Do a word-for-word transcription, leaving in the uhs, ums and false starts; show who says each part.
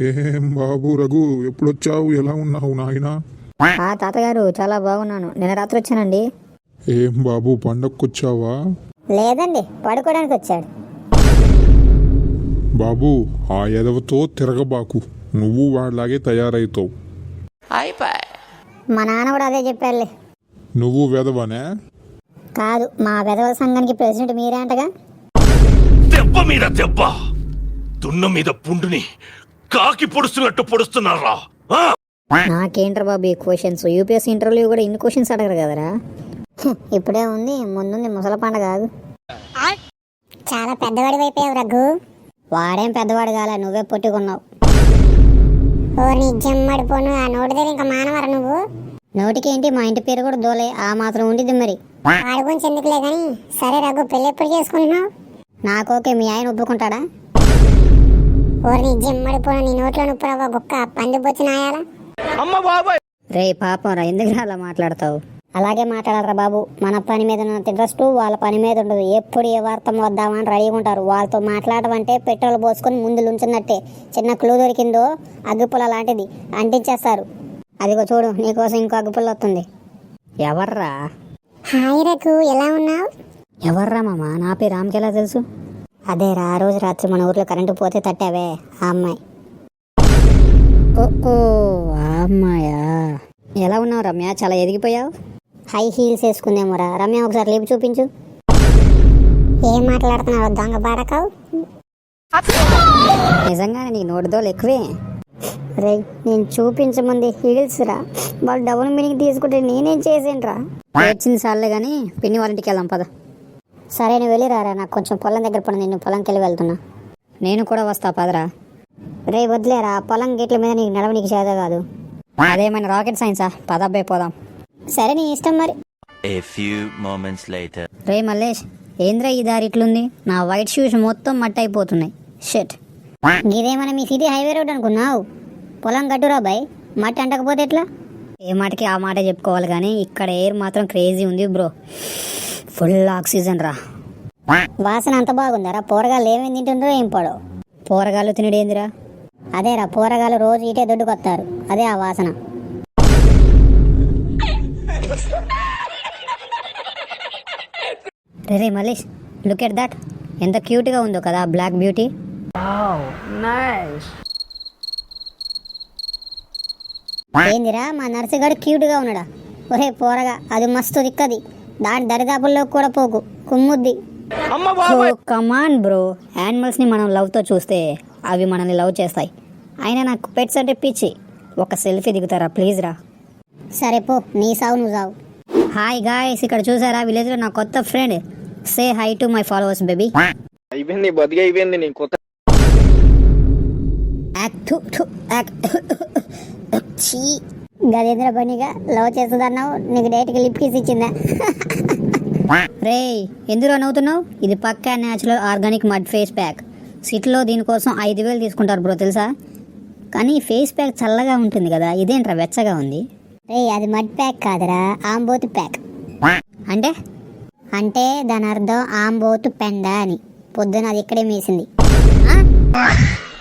Speaker 1: ఏం బాబు రఘు, ఎప్పుడొచ్చావు? ఎలా ఉన్నావు నాయనా?
Speaker 2: ఆ తాతగారు చాలా బాగున్నాను. నిన్న రాత్రి వచ్చానండి.
Speaker 1: ఏం బాబు, పండక్కొచ్చావా?
Speaker 2: లేదండి, పడుకోవడానికి వచ్చాడు.
Speaker 1: బాబు, ఆ ఎదవతో తిరగబాకు, నువ్వు వాడిలాగే తయారైతావు.
Speaker 2: మా నాన్న కూడా అదే చెప్పారులే.
Speaker 1: నువ్వు వెదవనే?
Speaker 2: కాదు, మా వెధవ సంఘానికి ప్రెసిడెంట్ మీరే అంటగా.
Speaker 3: దెబ్బ మీద దెబ్బ, దున్న మీద పుండుని కాకి పొడుస్తున్నట్టు పొడుస్తున్నారా?
Speaker 2: నాకేంట్రా బాబు ఈ క్వశ్చన్స్? యూపీఎస్సీ ఇంటర్వ్యూ కూడా ఇన్ని క్వశ్చన్స్ అడగరు కదరా. హ్మ్, ఇప్పుడే ఉంది, ముందుంది ముసల పండగ కాదు.
Speaker 4: చాలా పెద్దవాడి అయిపోయావు రఘు.
Speaker 2: వాడేం పెద్దవాడు కాలే, నువ్వే పొట్టుకున్నావు.
Speaker 4: ఓ నీ జమ్మడిపోను, ఆ నోటి దగ్గర ఇంకా మానవరా నువ్వు.
Speaker 2: నోటికి ఏంటి, మా ఇంటి పేరు కూడా దోలే, ఆ మాత్రం ఉండిద్ది మరి.
Speaker 4: వాడి గురించి ఎందుకులే కానీ, సరే రఘు, పెళ్ళి ఎప్పుడు చేసుకుంటున్నావు?
Speaker 2: నాకోకే, మీ ఆయన ఒప్పుకుంటాడా?
Speaker 4: ఓ నీ జమ్మడిపోను, నీ నోట్లో నుప్పురవ్వ గుక్క పంది బొచ్చి నాయాలా.
Speaker 2: రే పాపం రా, ఎందుకు అలా మాట్లాడతావు? అలాగే మాట్లాడరా బాబు. మన పని మీద ఉన్నంత ఇంట్రెస్ట్ వాళ్ళ పని మీద ఉండదు. ఎప్పుడు ఏ వార్త వద్దామని రెడీగా ఉంటారు. వాళ్ళతో మాట్లాడడం అంటే పెట్రోల్ పోసుకొని ముందు లుంచున్నట్టే. చిన్న క్లూ దొరికిందో అగ్గిపుల్ల లాంటిది అంటించేస్తారు. అదిగో చూడు, నీకోసం ఇంకో అగ్గిపుల్ల వస్తుంది. ఎవర్రా?
Speaker 4: హాయ్ రఘు, ఎలా ఉన్నావు?
Speaker 2: ఎవర్రా మామ? నా పేరు రామ్కి ఎలా తెలుసు? అదేరా, ఆ రోజు రాత్రి మన ఊర్లో కరెంటు పోతే తట్టావే, ఆ అమ్మాయి. ఓ ఓ ఆ అమ్మాయా? ఎలా ఉన్నావు రమ్య? చాలా ఎదిగిపోయావు. హై హీల్స్ వేసుకుందేమోరా. రమ్య, ఒకసారి లేపు చూపించు.
Speaker 4: ఏం మాట్లాడుతున్నావు దొంగ బాడకావు?
Speaker 2: నిజంగానే నీ నోటిదోలు ఎక్కువే. రే, నేను చూపించమంది హీల్స్ రా. వాళ్ళు డబుల్ మీనింగ్ తీసుకుంటే నేనేం చేసేంట్రా? ఏడ్చింది సార్లే కానీ పిన్ని వాళ్ళ ఇంటికి వెళ్దాం పద. సరే, నువ్వు వెళ్ళి రారా, నాకు కొంచెం పొలం దగ్గర పడి, నేను పొలంకి వెళ్ళి వెళ్తున్నా. నేను కూడా వస్తా పదరా. రే వదిలేరా, పొలం గేట్ల మీద నీకు నడవ నీకు చేత కాదు. అదేమైనా రాకెట్ సైన్సా? పదబ్బాయి పోదాం. సరే, నీ ఇష్టం మరి.
Speaker 5: A few moments later.
Speaker 2: రే మల్లేష్, ఏంద్రా ఈ దారి ఇట్లుంది? నా వైట్ షూస్ మొత్తం మట్టి అయిపోతున్నాయి. షెట్, ఇదేమన్నా మీ సిటీ హైవే రోడ్ అనుకున్నావు? పొలం గట్టురా బాయ్, మట్టి అంటకపోతే ఎట్లా? ఏ మాటకి ఆ మాట చెప్పుకోవాలి కానీ ఇక్కడ ఎయిర్ మాత్రం క్రేజీ ఉంది బ్రో. ఫుల్ ఆక్సిజన్ రా. వాసన అంత బాగుందరా. పోరగాళ్ళు ఏమేమి తింటుండ్రో ఏం పడో. పోరగాళ్ళు తినడేందిరా? అదేరా, పోరగాళ్ళు రోజు ఇటే దొడ్డుకొస్తారు, అదే ఆ వాసన. రే మల్లేష్, లుక్ ఎట్ దట్, ఎంత క్యూట్గా ఉందో కదా బ్లాక్ బ్యూటీ. ఏందిరా, మా నర్సుగాడు క్యూట్గా ఉన్నాడా? ఒరే పోరగా, అది మస్తు దిక్కది, దాని దరిదాపుల్లో కూడా పోకు, కుమ్ముద్ది. కమాన్ బ్రో, యానిమల్స్ ని మనం లవ్ తో చూస్తే అవి మనల్ని లవ్ చేస్తాయి. అయినా నాకు పెట్స్ అంటే పిచ్చి. ఒక సెల్ఫీ దిగుతారా ప్లీజ్ రా? సరే పో, నీ సావు నువ్వు సావు. హాయ్ గాయ్స్, ఇక్కడ చూసారా విలేజ్ లో నా కొత్త friend. Say hi to my followers baby.
Speaker 6: అయిపోయింది, బతికి అయిపోయింది నీ కొత్త.
Speaker 2: గదేంద్ర పనిగా లవ్ చేస్తుందన్నావు, నీకు డైరెక్ట్గా లిప్ కిస్ ఇచ్చిందా? రే, ఎందులో నవ్వుతున్నావు? ఇది పక్కా natural organic mud face pack. సిటీలో దీనికోసం ఐదు వేలు తీసుకుంటారు బ్రో, తెలుసా? కానీ ఫేస్ ప్యాక్ చల్లగా ఉంటుంది కదా, ఇదేంట్రా వెచ్చగా ఉంది? రే, అది మడ్ ప్యాక్ కాదురా, ఆంబోతు ప్యాక్. అంటే అంటే దాని అర్థం ఆంబోతు పెండ అని. పొద్దున అది ఇక్కడే మేసింది.